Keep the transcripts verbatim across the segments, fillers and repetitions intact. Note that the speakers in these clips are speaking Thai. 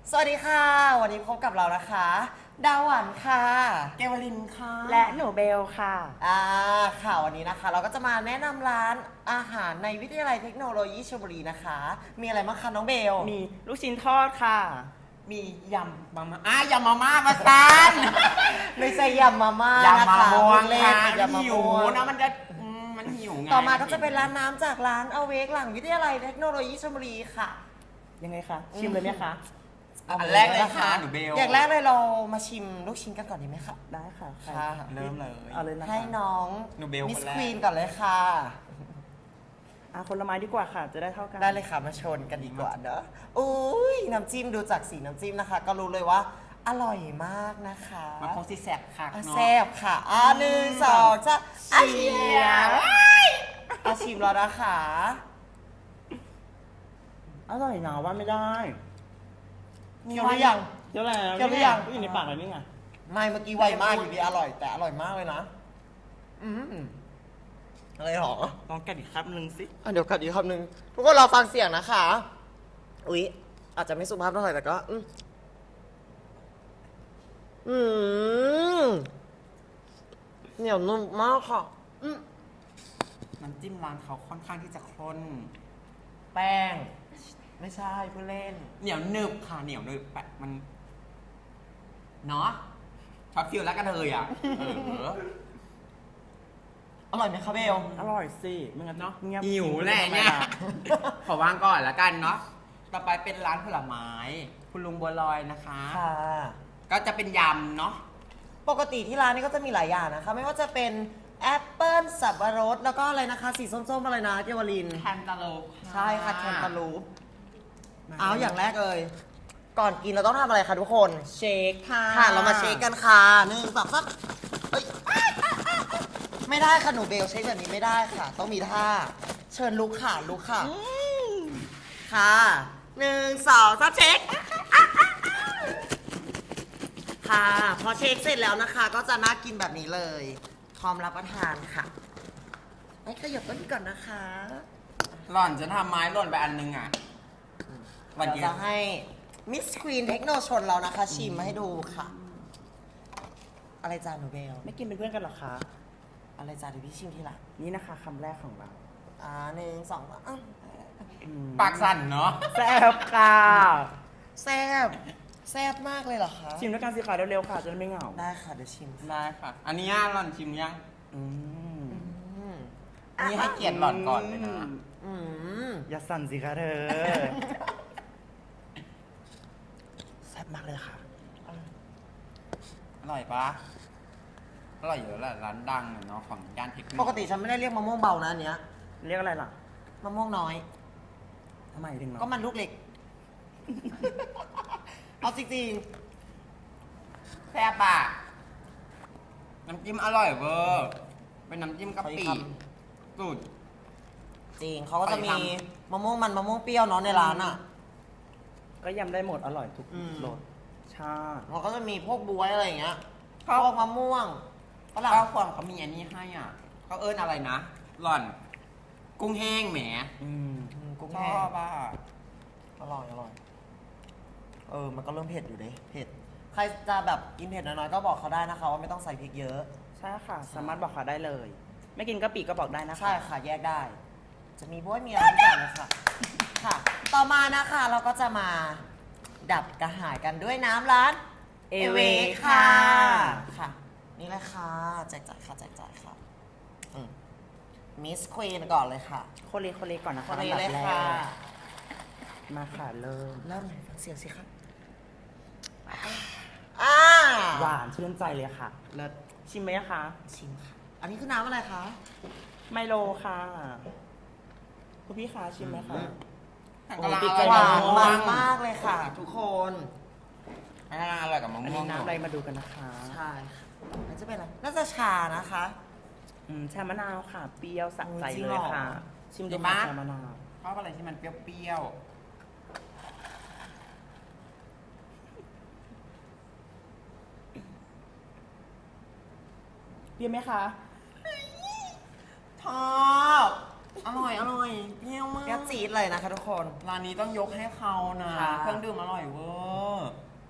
สวัสดีค่ะวันนี้พบกับเรานะคะดาวหวันค่ะเกวลินค่ะและหนูเบลค่ะอ่าค่ะวันนี้นะคะเราก็จะมาแนะนำร้านอาหารในวิทยาลัยเทคโนโลยีชลบุรีนะคะมีอะไรบ้างคะน้องเบลมีลูกชิ้นทอดค่ะมียำมาม่าอ่ะยำมาม่ามาซันไม่ใช่ยำมาม่ายำมาม่วงเล่นค่ะยำมาหิวม่วงนะมันจะอืมมันหิวไงต่อมาก็จะเป็นร้านน้ำจากร้านอเวกหลังวิทยาลัยเทคโนโลยีชลบุรีค่ะยังไงคะชิมเลยไหมคะอันแรกเลยค่ะหนูเบลอย่างแรกเลยเรามาชิมลูกชิ้นกันก่อนดีไหมคะได้ค่ะใครค่ะเริ่มเลยเอาเลยนะคะให้น้องหนูเบลมิสคนแรกควีนก่อนเลยค่ะอ่ะคนละไม้ดีกว่าค่ะ จะได้เท่ากันได้เลยค่ะมาชนกันดีกว่าเนอะอุ้ยน้ำจิ้มดูจากสีน้ำจิ้มนะคะ ก็รู้เลยว่าอร่อยมากนะคะมันคงสิแสบค่ะอ่ะเนาะแซ่บค่ะอ่ะหนึ่งสองจะอาชิมอาชิมแล้วนะคะอร่อยนะว่าไม่ได้เคี้ยวหรือยังเดี๋ยวแล้วเคี้ยวหรือยังก็อยู่ในปากแล้วนี่ไงไม่เมื่อกี้ไวมากอยู่ดีอร่อย แต่อร่อยมากเลยนะอืมอะไรหรอลองกัดอีกครับนึงสิอ่ะเดี๋ยวกัดอีกคำหนึ่งทุกคนรอฟังเสียงนะคะอุ๊ยอาจจะไม่สุภาพเท่าไหร่แต่ก็อืมอืมเหนียวนุ่มมากค่ะอืมน้ำจิ้มร้านเขาค่อนข้างที่จะข้นแป้ง ไม่ใช่ผู้เล่นเหนียวหนึบค่ะเหนียวหนึบแปะมันเนาะช็อตฟิลแล้วกันเลยอ่ะเอออร่อยไหมคะเบลอร่อยสิไม่งั้นเนาะเงียบหิวแหละเนี่ย ขอวางก่อนแล้วกันเนาะ ต่อไปเป็นร้านผลไม้ คุณลุงบัวลอยนะคะค่ะก็จะเป็นยำเนาะปกติที่ร้านนี้ก็จะมีหลายอย่างนะคะ ไม่ว่าจะเป็นแอปเปิ้ลสับปะรด แล้วก็อะไรนะคะ สีส้มๆอะไรนะเกวลินแคนตาลูปใช่ค่ะแคนตาลูปเอาอย่างแรกเลย ก่อนกินเราต้องทำอะไรคะทุกคนเชคค่ะค่ะ เรามาเช็คกันค่ะหนึ่งสองสามเอ้ยไม่ได้ค่ะหนูเบลเช็คแบบนี้ไม่ได้ค่ะ ต้องมีท่า เชิญลุกค่ะลุกค่ะ ค่ะหนึ่งสองสามเช็ค ค่ะ พอเช็คเสร็จแล้วนะคะ ก็จะน่ากินแบบนี้เลยพร้อมรับประทานค่ะไอ้ขยับต้นก่อนนะคะหล่อนจะทำไม้หล่นไปอันนึงอ่ะ วันเดี๋ยวเดียวจะให้มิสควีนเทคโนชนเรานะคะ ชิมมาให้ดูค่ะ อะไรจ้าหนูเบลไม่กินเป็นเพื่อนกันหรอคะอะไรจ้าเดี๋ยวพี่ชิมทีหลังนี่นะคะคำแรกของเราอ่าหนึ่งสองอ่ะอืมปากสั่นเนาะแซ่บค่ะแซ่บแซ่บมากเลยเหรอคะชิมด้วยกันสิคะเร็วๆค่ะจะได้ไม่เหงาได้ค่ะเดี๋ยวชิมได้ค่ะ อันนี้หล่อนชิมยังอืมอืมอันนี้ให้เกียรติหล่อนก่อนเลยนะอืมอย่าสั่นสิคะเธอ แซ่บมากเลยค่ะอร่อยปะอร่อยอยู่แล้วแหละร้านดังอะเนาะของย่านเทคโนปกติฉันไม่ได้เรียกมะม่วงเบานะอันเนี้ยเรียกอะไรล่ะมะม่วงน้อยทำไมถึงเนาะก็มันลูกเล็ก เอาจริงแซ่บอะน้ำจิ้มอร่อยเวอร์เป็นน้ำจิ้มกะปิขออีกคสุดๆจริงเขาก็จะมีขออีกมะม่วงมันมะม่วงเปรี้ยวเนาะในร้านอ่ะก็ยำได้หมดอร่อยทุกอืมรสชาติเขาก็จะมีพวกบวยอะไรอย่างเงี้ยพเขาวกมะม่วงฝรั่งข้าวฟองเขามีอันนี้ให้อ่ะเขาเอิ้นอะไรนะ หล่อน กุ้งแห้งแหมอืมอืมกุ้งชแห้อง บอ่ะอร่อยอร่อย เออ มันก็เริ่มเผ็ดอยู่เด้เผ็ด ใครจะแบบกินเผ็ดน้อยๆก็บอกเขาได้นะคะว่าไม่ต้องใส่พริกเยอะใช่ค่ะ สามารถบอกเขาได้เลย ไม่กินกะปิก็บอกได้นะคะใช่ค่ะ แยกได้ จะมีบ้วยมีอะไรทุกอย่างเลยค่ะ ค่ะ ต่อมานะคะเราก็จะมาดับกระหายกันด้วยน้ำร้านเอเวค่ะค่ะ นี่เลยค่ะแจกจ่ายค่ะแจกจ่ายค่ะมิสควีนก่อนเลยค่ะโคเลโคเลก่อนนะคคะนนี้อันเลดัยบแรค่ะกมาค่ะเริ่มเริ่มเลยฟังเสียงสิคะอ่าหวานชื่นใจเลยค่ะ เลิศชิมไหมคะชิมค่ะ อันนี้คือน้ำอะไรคะไมโลค่ะคุณพี่คะชิมไหมคะแต่โอ้กำลังติดอใจร่อยหกับวามะนม่วงมากเลยค่ะ ทุกคนกำลังอร่อยกับมะอันม่วนี้งน้ำอะไรมาดูกันนะคะใช่ค่ะมันจะเป็นอะไร น่าจะชานะคะอืมชามะนาวค่ะ เปรี้ยวสะใจจริงเลเหรยอค่ะ ชิมดูดีค่ะมากชามะนาวชอบอะไรที่มันเปรี้ยวเปรี้ยวไหมคะๆชอบอร่อยอร่อยเปรี้ยวมากแก้วจี๊ดเลยนะคะทุกคนร้านนี้ต้องยกให้เขานะค่ะเครื่องดื่มอร่อยเวอร์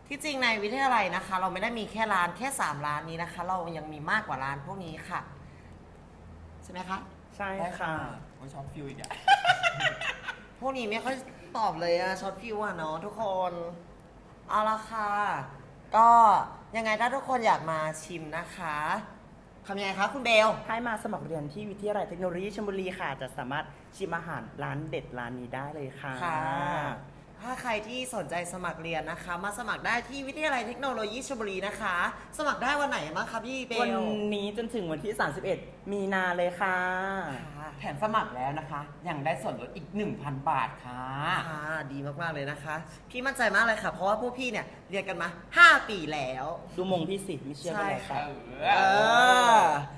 ที่จริงในวิทยาลัยนะคะ เราไม่ได้มีแค่ร้านแค่สามร้านนี้นะคะ เรายังมีมากกว่าร้านพวกนี้ค่ะ ใช่ไหมคะใช่ค่ะโอ้ยชอบฟิวอีกอะพวกนี้ไม่ค่อยตอบเลยอะช็อตฟิวอะเนาะทุกคนเอาละค่ะ ก็ยังไงถ้าทุกคนอยากมาชิมนะคะทำยังไงคะคุณเบลให้มาสมัครเรียนที่วิทยาลัยเทคโนโลยีชลบุรีค่ะ จะสามารถชิมอาหารร้านเด็ดร้านนี้ได้เลยค่ะค่ะ ถ้าใครที่สนใจสมัครเรียนนะคะ มาสมัครได้ที่วิทยาลัยเทคโนโลยีชลบุรีนะคะ สมัครได้วันไหนบ้างคะพี่เบลวันนี้จนถึงวันที่ สามสิบเอ็ด มีนาเลยค่ะค่ะแถมสมัครแล้วนะคะ ยังได้ส่วนลดอีก หนึ่งพัน บาทค่ะค่ะดีมากๆเลยนะคะ พี่มั่นใจมากเลยค่ะ เพราะว่าพวกพี่เนี่ยเรียนกันมาห้าปีแล้วดูมงพี่สิไม่เชื่อก็แล้วใช่ค่ะกันเอเอออ